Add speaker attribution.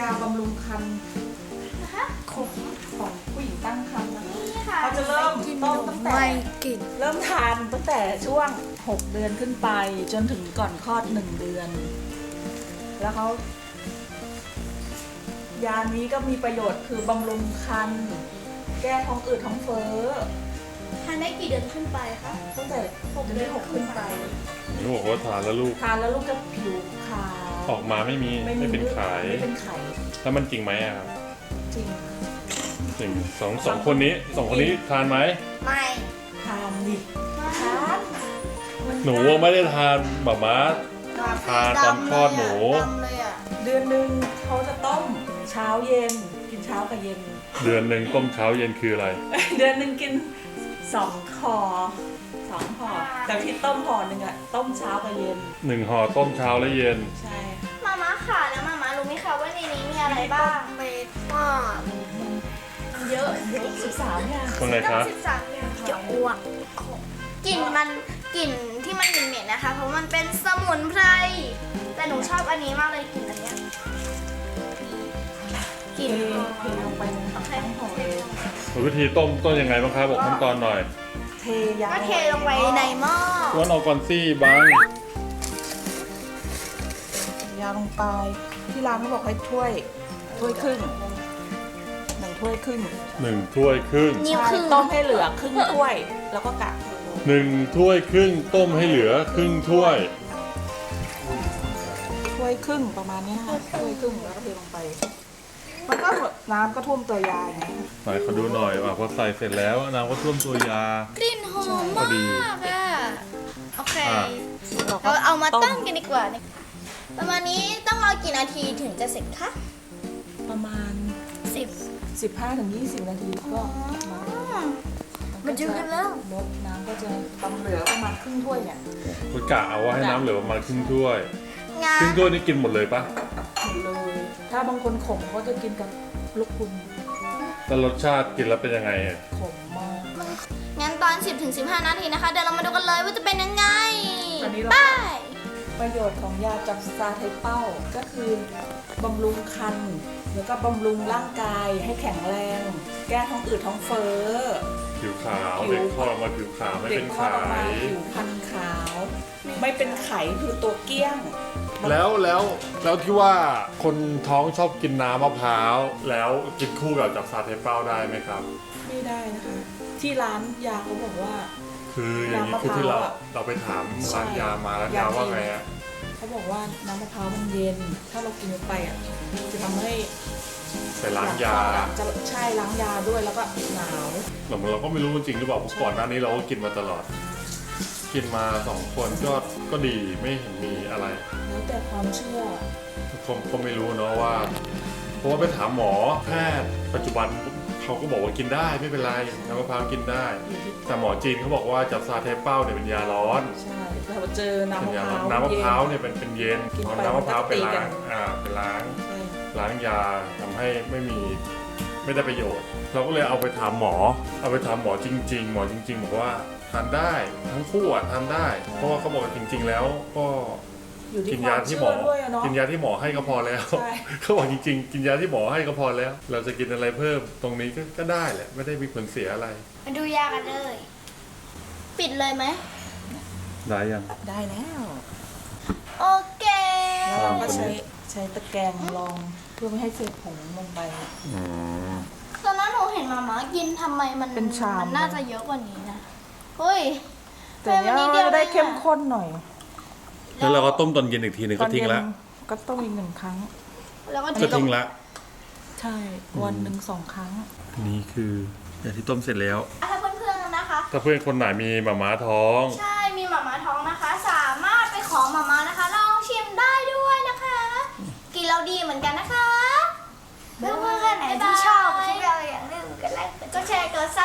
Speaker 1: าบำรุงครรภ์ของผู้หญิงตั้งครรภ์นะคะเขาจะเริ่มต้นตั้งแต่เริ่มทานตั้งแต่ช่วง6 เดือนขึ้นไปจนถึงก่อนคลอด1 เดือน แล้วเขายานี้ก็มีประโยชน์คือบำรุงครรภ์แก้ท้องอืดท้องเฟ้อ
Speaker 2: ทานได้กี่เดือนขึ้นไปคะ
Speaker 1: ตั้งแต่6 เดือน6ขึ้นไป
Speaker 3: หนูบอกว่าทานแล้วลูก
Speaker 1: ทานแล้วลูกจะผิวขาว
Speaker 3: ออกมาไม่เป็นไข่
Speaker 1: ไม่เป็นไข่
Speaker 3: แล้วมันจริงไหมอะครับ
Speaker 1: จริง
Speaker 3: จริงสองคนนี้ทานไหม
Speaker 2: ไม่
Speaker 1: ทานดิทาน
Speaker 3: หนูไม่ได้ทานหม่าม้า ทานตอนคลอดหนู
Speaker 2: ดำเลยอ่ะ
Speaker 1: เดือนหนึ่งเขาจะต้มเช้าเย็นกินเช้ากับเย็น
Speaker 3: เดือนหนึ่งต้มเช้าเย็นคืออะไร
Speaker 1: เดือนหนึ่งกิน2 ห่อ2 ห่อแต่ที่ต้มห่อหนึ่งอะต้มเช้ากับเย็น
Speaker 3: 1 ห่อต้มเช้าและเย็น
Speaker 1: ใช่ค่ะ
Speaker 2: มาม่าค่ะแล้วมาม่ารู้ไหมคะว่าในนี้มีอะไรบ้างเม็ดมาก
Speaker 1: เยอะ13อย่าง
Speaker 3: ว่าไงคะ
Speaker 2: 13อย่างจะอ้วกกลิ่นที่มันเหม็นๆนะคะ เพราะมันเป็นสมุนไพรแต่หนูชอบอันนี้มากเลยกลิ่นอันเนี้ยกลิ่นหอม
Speaker 1: เทลงไปในทั้งห่อเลย
Speaker 3: วิธีต้มยังไงบ้างครับบอกขั้นตอนหน่อย
Speaker 1: เทยา
Speaker 2: ก็เทลงไปในหม้อ
Speaker 3: อ้วนเอาก่อนซี่บัง
Speaker 1: ยาลงไปที่ร้านเขาบอกให้ถ้วยครึ่ง1 ถ้วยครึ่ง
Speaker 3: 1 ถ้วยครึ่ง
Speaker 2: นิ้วครึ่ง
Speaker 1: ต้มให้เหลือครึ่งถ้วย แล้วก็กะ
Speaker 3: 1 ถ้วยครึ่งต้มให้เหลือครึ่งถ้วย
Speaker 1: ถ้วยครึ่งประมาณนี้ค่ะถ้วยครึ่งแล้วก็เทลงไป มันก็น้ำก็ท่วมตัวยาอย่างนี้
Speaker 3: ไหนขอดูหน่อยว่าพอใส่เสร็จแล้วน้ำก็ท่วมตัวยา
Speaker 2: กลิ่นหอม
Speaker 3: พอดี
Speaker 2: มากอ่ะโอเค
Speaker 3: อ่ะ
Speaker 2: เราเอามาตั้งกันดีกว่าประมาณนี้ต้องรอกี่นาทีถึงจะเสร็จคะ
Speaker 1: ประมาณ
Speaker 2: 10
Speaker 1: 15-20 นาทีก็มา
Speaker 2: มาดูกันแล้ว
Speaker 1: ลดน้ำก็จะต้องเหลือประมาณครึ่งถ้วยเนี่ย
Speaker 3: คุณกะเอาว่าให้น้ำเหลือประมาณครึ่งถ้วย
Speaker 2: งา
Speaker 3: ครึ่งถ้วยนี่กินหมดเลยปะ
Speaker 1: หมดเลย ถ้าบางคนขมก็จะกินกับลูกคุณ
Speaker 3: แล้วรสชาติกินแล้วเป็นยังไงอะ
Speaker 1: ขมมาก
Speaker 2: งั้นตอน 10-15 นาทีนะคะ เดี๋ยวเรามาดูกันเลยว่าจะเป็นยังไง
Speaker 1: ตอนนี้เรา
Speaker 2: ไป
Speaker 1: ประโยชน์ของยาจับซาไทเป้าก็คือบำรุงครรภ์แล้วก็บำรุงร่างกายให้แข็งแรง แก้ท้องอืดท้องเฟ้อ
Speaker 3: ผิวขาว
Speaker 1: ผิว
Speaker 3: เด็กคลอดออกมาผิวขาวไม่
Speaker 1: เด็
Speaker 3: เป็
Speaker 1: ก
Speaker 3: น
Speaker 1: คลอ
Speaker 3: ไข
Speaker 1: ดออกมาผิวพรรณขาว ไม่เป็นไขคือตัวเกี้ยง
Speaker 3: แล้วที่ว่าคนท้องชอบกินน้ำมะพร้าวแล้วกินคู่กับจับซาเทเป้าได้ไหมครับ
Speaker 1: ไม่ได้นะคะ ที่ร้านยาเขาบอกว่า
Speaker 3: คืออย่างนี้
Speaker 1: น้ำมะพร้าว
Speaker 3: คือที่เรา
Speaker 1: อะ
Speaker 3: ไปถาม
Speaker 1: ใช่
Speaker 3: ร้านยามาแล้ว
Speaker 1: ยาย
Speaker 3: าว่า
Speaker 1: จีน
Speaker 3: ไงอะ
Speaker 1: เขาบอกว่าน้ำมะพร้าวมันเย็น ถ้าเรากินไปอ่ะจะทำให้
Speaker 3: ไปล้างยา
Speaker 1: จะใช่ล้างยาด้วยแล้วก็หนาว
Speaker 3: เราก็ไม่รู้จริงหรือเปล่าเพราะก่อนหน้านี้เราก็กินมาตลอด กินมา2 คนก็ดีไม่เห็นมีอะไร
Speaker 1: แล้วแต่ความเชื่อ
Speaker 3: ก็ไม่รู้เนาะว่า เพราะว่าไปถามหมอแพทย์ปัจจุบันเขาก็บอกว่ากินได้ไม่เป็นไรน้ำมะพร้าวกินได้ แต่หมอจีนเขาบอกว่าจับซาเทเป้าเนี่ยเป็นยาร้อน
Speaker 1: ใช่เราเจอน้ำ
Speaker 3: เป็น
Speaker 1: มะ
Speaker 3: ยา
Speaker 1: พ
Speaker 3: ร้
Speaker 1: ร้า
Speaker 3: อน
Speaker 1: ว
Speaker 3: น้ำมะพร้าว
Speaker 1: ย็
Speaker 3: เนี่ยเป็นเย็น
Speaker 1: กินไป
Speaker 3: เอาน้ำมะพร้าวไป
Speaker 1: มันก็ตีกั
Speaker 3: ล้าน งไปล้าง
Speaker 1: ใช่
Speaker 3: ล้างยาทำให้ไม่ได้ประโยชน์ เราก็เลยเอาไปถามหมอจริงๆ หมอจริงๆบอกว่าทานได้ทั้งคู่อ่ะทานได้ เพราะว่าเขาบอกว่าจริง ๆ แล้วก็
Speaker 1: อยู่
Speaker 3: กิ
Speaker 1: ที่
Speaker 3: น
Speaker 1: ควาย
Speaker 3: าม ที่
Speaker 1: เชื่
Speaker 3: หมอ
Speaker 1: อด้วยอะเนาะ
Speaker 3: กินยาที่หมอให้ก็พอแล้ว
Speaker 1: ใช่
Speaker 3: เขาบอกจริงๆ กินยาที่หมอให้ก็พอแล้ว เราจะกินอะไรเพิ่มตรงนี้ก็ได้แหละไม่ได้มีผลเสียอะไร
Speaker 2: มาดูยากันเลย ปิดเลยไหม
Speaker 3: ได้ยัง
Speaker 1: ได้แล้ว
Speaker 2: โอเค
Speaker 1: แล้วเราก็ใช้ตะแกรงรองเพื่อไม่ให้เศษผงลงไป
Speaker 2: ตอนนั้นหนูเห็นมาม่ากินทำไมมัน
Speaker 1: เป็นชาม
Speaker 2: มันน่าจะเยอะกว่านี้นะเฮ้ย
Speaker 1: แต่เนี้ย
Speaker 2: ทำไมมันนิดเดียว
Speaker 1: จะได้
Speaker 2: เองอะ
Speaker 1: เข้มข้นหน่อย
Speaker 3: แล้วเราก็ต้มตอนเย็นอีกทีหนึ่งก็ทิ้งละ
Speaker 1: ตอนเย็นก็ต้มอีก1 ครั้ง
Speaker 2: แล้วก็
Speaker 3: ก็ทิ้งละ
Speaker 1: ใช่วันหนึ่ง2 ครั้ง
Speaker 3: นี่คือยาที่ต้มเสร็จแล้ว
Speaker 2: ถ้าเพื่อนๆนะคะ
Speaker 3: ถ้าเพื่อนคนไหนมีหมาม้าท้อง
Speaker 2: ใช่มีหมาม่าท้องนะคะ สามารถไปขอหมาม่านะคะ ลองชิมได้ด้วยนะคะ กินแล้วดีเหมือนกันนะคะเพื่อนๆไหนที่ชอบคลิปเราอย่างนึงกดไลค์กดแชร์กดซับ